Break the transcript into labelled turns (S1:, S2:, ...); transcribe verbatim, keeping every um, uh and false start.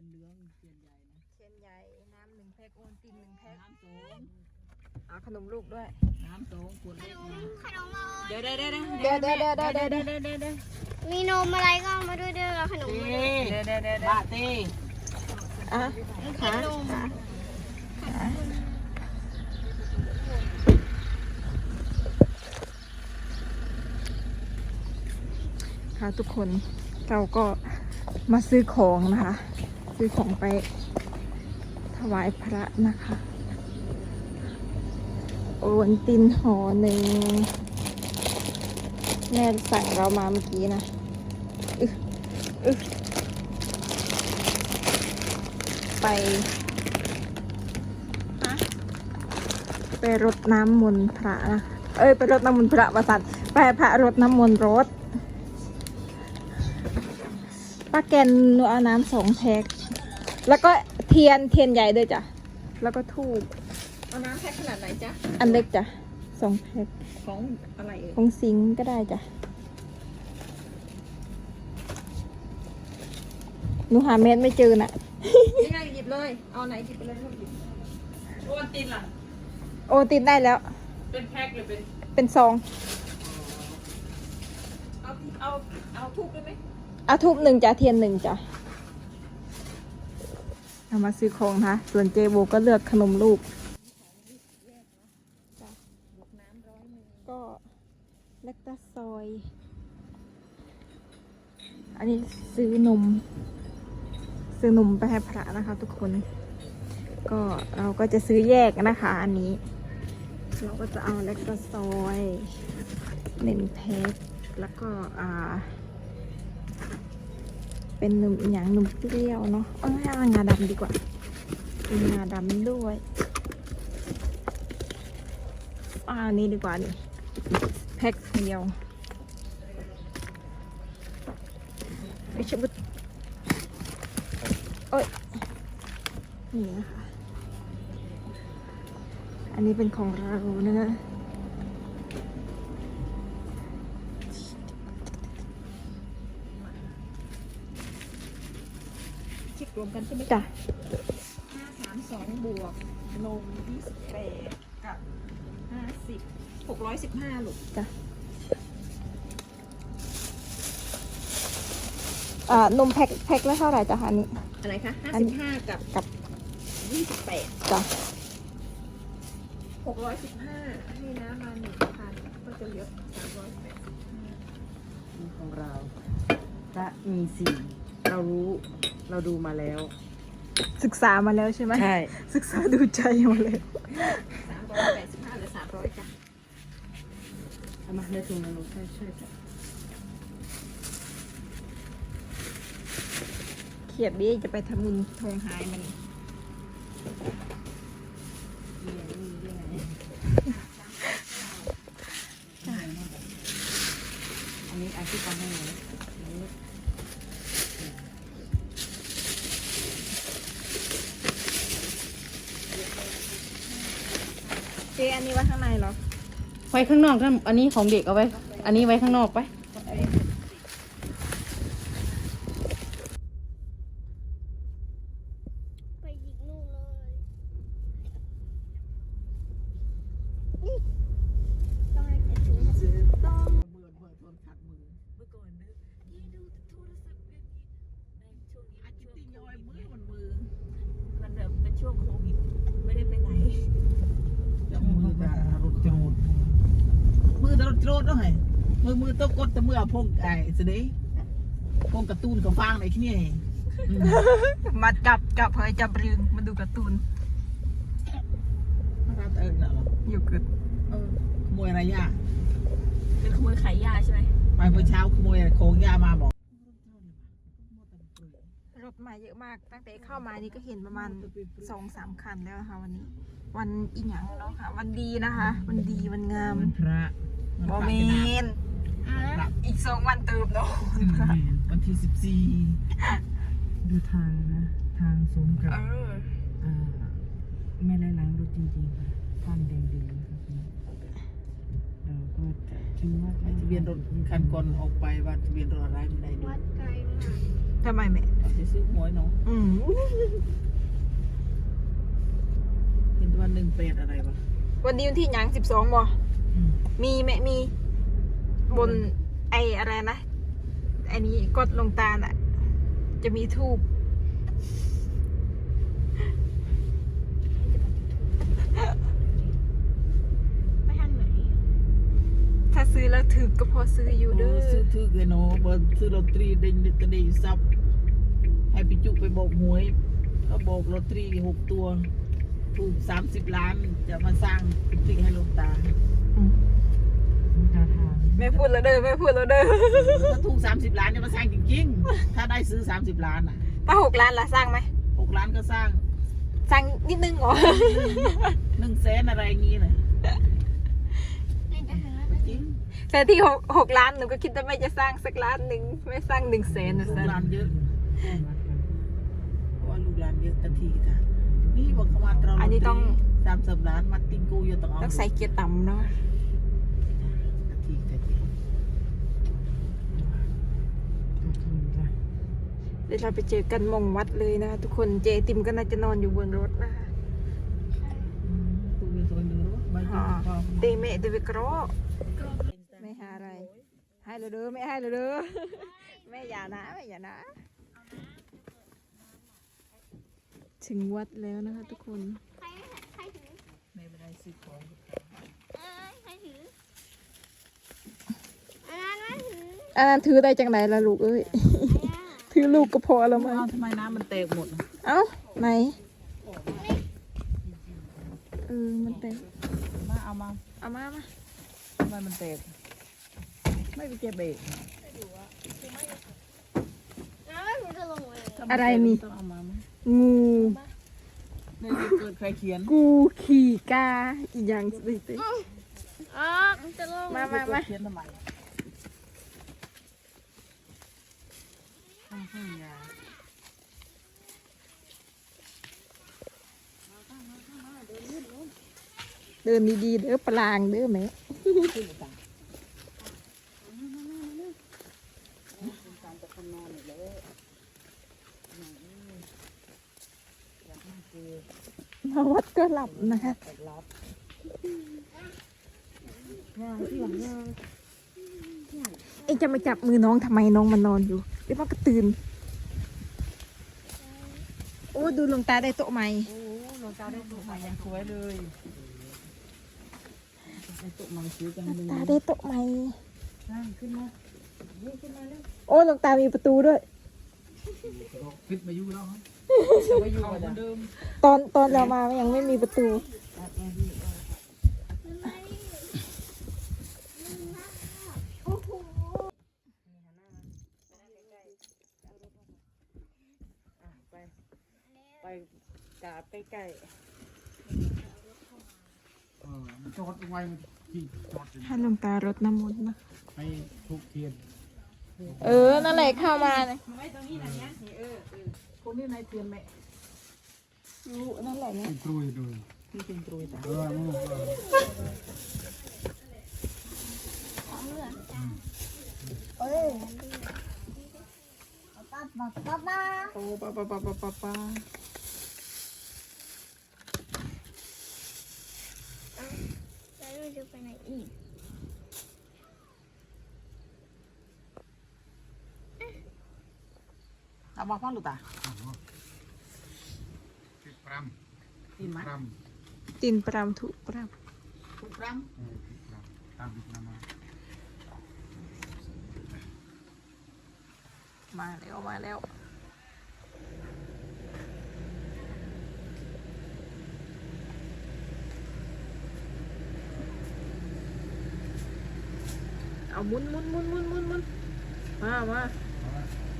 S1: นเหลืองเทียนใหญ่นะ
S2: เทียนใหญ่น้ำหนึ่งแพ็คโอนตินหนึ่งแพ็ค
S1: น้ำสอง
S2: เอาขนมลูกด้วย
S1: น้ำสองขวดเล็กนะ
S3: ขนมอะไร
S2: เดี๋ยวเดี๋ยวเดี๋ยวเดี๋ยวเดี๋ยวเดี๋ยวเดี๋ยวเดี๋ยวเดี๋ยวเดี๋ยวเดี๋ยว
S3: มีนมอะไรก็เอามาด้วยเด้อขนมมาด้วย
S2: เดี๋ยวเดี๋ยวเดี๋ยว
S1: บาตี
S2: อ่ะขาค่ะทุกคนเราก็มาซื้อของนะคะ ซื้อของไปถวายพระนะคะโอนตินห่อหนึ่งแม่สั่งเรามาเมื่อกี้นะอึอึไปไปรดน้ำมนต์พระนะเอ้ยไปรดน้ำมนต์พระประสันไปพระรดน้ำมนต์รถป้าแกนเอาน้ำสองแพ็คแล้วก็เทียนเทียนใหญ่ด้วยจ้ะแล้วก็ทูบ
S1: เอาน้ำแพ็คขนาดไหนจ๊ะ
S2: อันเล็กจ้ะสองแพ็ค
S1: ของอะไรเอ่ย
S2: ของซิงก็ได้จ้ะหนูหาเม็ดไม่เจอน่ะ
S1: นี่ไงหยิบเลยเอาไหนหยิบไปเลยหยิบโอนตินล่ะ
S2: โอตินได้แล้ว
S1: เป็นแพ็คหรือเป็น
S2: เป็นซอง
S1: เอาเอาเอาทูบได้ไหม
S2: เอาทูบหนึ่งจ้ะเทียนหนึ่งจ้ะเอามาซื้อของนะส่วนเจโบก็เลือกขนมลูกก็เล็กตาซอยอันนี้ซื้อนมซื้อนมไปให้พระนะคะทุกคนก็เราก็จะซื้อแยกนะคะอันนี้เราก็จะเอาเล็กตาซอยหนึ่งแพ็คแล้วก็อ่าเป็นนมอย่างนมเปรี้ยวเนาะเอางาดำดีกว่าเป็นงาดำด้วยอ่านี้ดีกว่านี่แพ็คเดียวไอชิบุตโอ้ยนี่นะคะอันนี้เป็นของเรานะ
S1: คิดรวมกันใช่ไหม
S2: จ้ะ
S1: ห้าสามสองบวกนมยี่สิบแปดกับห้าสิบหกร้อยสิบห้าลูก
S2: จ้ะอ่านมแพ็คแพ็คละเท่าไหร่จ้ะอันนี้
S1: อะไรคะห้าสิบห้ากับ
S2: กับ
S1: ยี่สิบแปด
S2: จ้ะ
S1: หกร้อยสิบห้าให้น้ำมาหนึ่งพันก็จะเหลือสามร้อยแปดสิบห้านี่ของเราพระมีสี่เรารู้เราดูมาแล้ว
S2: ศึกษามาแล้วใช่ไหม
S1: ใช่
S2: ศึกษาดูใจมาเลย
S1: สามร้อยแปดสิบห้าหรือสามร้อยจ้ะเอามาในถุงนะลูกใช่ใช่จ้ะ
S2: เขียบนี้จะไปทำบุญทองหายมัน
S1: อันนี้อาชีพทำให้เลย
S2: เจอันนี้ไว้ข้างในเหรอ
S1: ไว้ข้างนอกถ้าอันนี้ของเด็กเอาไว้อันนี้ไว้ข้างนอกไป
S3: ไปหยิกนู่นเลยต้องให้เก็บถุงต้อง
S1: เบื่อเบื่อทนขัดมือเมื่อก่อนนึกยี่ดูโทรศัพท์แบบนี้ในช่วงนี้อาจิตติย้อยมือมันมือมันแบบเป็นช่วงโควิดไม่ได้ไปไหนจะมือแบบรถโจรมือแต่รถโจรต้องไงมือมือต้องกดแต่มือพงไอ้สิเด้พงกระตูนกับฟางในที่นี่
S2: มาจับจับเผยจับรึงมาดูการ์ตูน
S1: มาเติมเหรอ
S2: อยู่เกิด
S1: เออขโมยอะไรยา
S4: เป็นขโมยขายยาใช่ไหม
S1: ไปเมื่อเช้าขโมยโค้งยามาบอก
S2: รถมาเยอะมากตั้งแต่เข้ามานี่ก็เห็นประมาณสองสามคันแล้วนะคะวันนี้วันอีหยังเนาะค่ะวันดีนะคะวันดีวันงาม
S1: พระ
S2: โมเมนอีกสองวันเติมเนาะ
S1: วันที่สิบสี่ดูทางนะทางสมกับไม่ไล่ล้างรถจริงๆค่ะท่านแดงดีครับเราก็ถือว่าทะเบียนรถคันก่อนออกไปว่าทะเบียนรถอะไรไม่ได้ดู
S3: วัดไกลมาก
S2: ทำไมแม่
S1: จะซื้อหวยเนาะ
S2: อืม
S1: เห็นว่าหนึ่งเป็ดอะไรวะ
S2: วันนี้วันที่หยังสิบสองบ่มีแม่มี บนไออะไรนะไอนี้กดลงตาลอ่ะ จะมีทูบ
S3: ไปทางไหน
S2: ถ้าซื้อแล้วถือก็พอซื้ออยู่เด้อ
S1: ซื้อถือเกโนบนซื้อลอตเตอรี่เด้งกระดิ่งซับให้พี่จุไปบอกหวยก็บอกลอตเตอรี่หกตัว ถูกสามสิบล้านจะมาสร้างกุฏิให้หลวงตา
S2: อืม
S1: ตาทาง
S2: แม่พูดแล้วเด้อแม่พูดแล้วเด้อ
S1: ถ้าถูกสามสิบล้านจะมาสร้างจริงๆ ถ้าได้ซื้อสามสิบล้านอ่ะ
S2: ถ้าหกล้านละสร้างไหม
S1: หกล้านก็สร้าง
S2: สร้างนิดนึงเหรอ
S1: หนึ่งแสนอะไรอย่างงี้น่ะ
S3: ในทหาร
S1: จริง
S2: แต่ที่หกหกล้านหนูก็คิดว่าไม่จะสร้างสักล้านหนึ่งไม่สร้างหนึ่งแสนนะ
S1: ลู
S2: สั
S1: ก
S2: น
S1: หลานเยอะเพราะว่าลูกหลานเยอะตะทีค่ะนี่บอกเขามาตรา
S2: อันนี้ต้อง
S1: สามสิบล้านมาติงกูอยู่ต้องเอา
S2: ต้องใส่เกียร์ต่ำเนาะ
S1: ตะทีตะที
S2: เดี๋ยวเราไปเจอกันมงวัดเลยนะคะทุกคนเจติมก็น่าจะนอนอยู่บนรถนะคะ
S1: กูมีตัวนึงรู้ไม่
S2: อ๋
S1: ต้
S2: อ
S1: อง
S2: เตเมะเตเวกรอไม่หาอะไร ให้เราเด้อไม่ให้เราเด้อ แม่อย่านะแม่อย่านะ ถึงวัดแล้วนะคะทุกคน
S3: ใครใครถือ
S1: ไม่ได้ซื้อของ
S3: เอ้ยใครถืออันนั้นไม่ถือ
S2: อันนั้นถือได้จังไหนล่ะลูกเอ้ย
S3: ไอ้อะ
S2: ถือลูกก็พอแล้วมั้ง
S1: เอาทำไมน้ำมันแตกหมด
S2: เอ้าไหนเออมันแตก
S1: มาเอามา
S2: เอามามา
S1: ทำไมมันแตกไม่ไปเก็บเบรก
S3: น้ำไม่ถือจะลงเลย
S2: อะไรนี่
S1: ต้องเอามาไหม
S2: งู
S1: ในที่เกิดใครเขียน
S2: กูขี่กาอีกอย่างสิติ
S3: อ๋อมันจะลง
S2: มามามา
S1: เขียนทำไมข้างข้างยา
S2: เดินดีๆเด้อปลางเด้อแม่
S1: ขึ้นต่างการจะคนนอนอยู่เลยอยากนั่งคุย
S2: มาวัดก็หลับนะคะ
S1: แต่รับงานที่หลังงาน
S2: เอ็งจะมาจับมือน้องทำไมน้องมันนอนอยู่เดี๋ยวมันก็ตื่น โอ้ดูหลวงตาได้โต๊ะใหม่
S1: โอ้หลวงตาได้ตัวใหม่ยังสวยเลยได้ตัวใหม่ซื้อกัน
S2: หลว
S1: เล
S2: ง
S1: ย
S2: ตาได้โต๊ะใหม่
S1: นั่งขึ้นมาเยี่ขึ้นมาแล้ว
S2: โอ้หลวงตามีประตูด้วย
S1: ขึ้นมาอยู่แล้วจะไปอยู่เหมือนเดิม
S2: ตอนตอนเรามายังไม่มีประตู
S3: โอ้โห
S1: ไปไปกราบใกล้
S5: เออจอดไว้ที่จอด
S2: ให้หลวงตารดน้ำมนต์นะ
S5: ไปทุกเทียน
S2: เออ นั่นแหละเข้ามาเนี่ย
S1: ๆไว้ตรงนี้นะเนี้ยเออเออคนนี้นายเทียนแม่
S2: รู้นั่นแหละเนี่ย
S5: เป็นกล้วยดู
S1: ที่เป็นตรุยตา
S5: เออมึงเออ
S3: ป๊าป๊าป๊าป๊า
S2: โอ้ปะปะปะปะปะปะ
S3: แล้วเราจะไปไหนอีก
S1: เอามาพ่อลูกตา
S5: ติดปร
S1: กินไหม
S5: ำปร
S2: ตินปรามถุปราม
S1: ทุกครั้ง
S5: ำเออติดปรำตามติดน้ำมา
S2: มาแล้วมาแล้วเอามุนมุนมุนมุนมุนมุนมามา
S5: เอาละ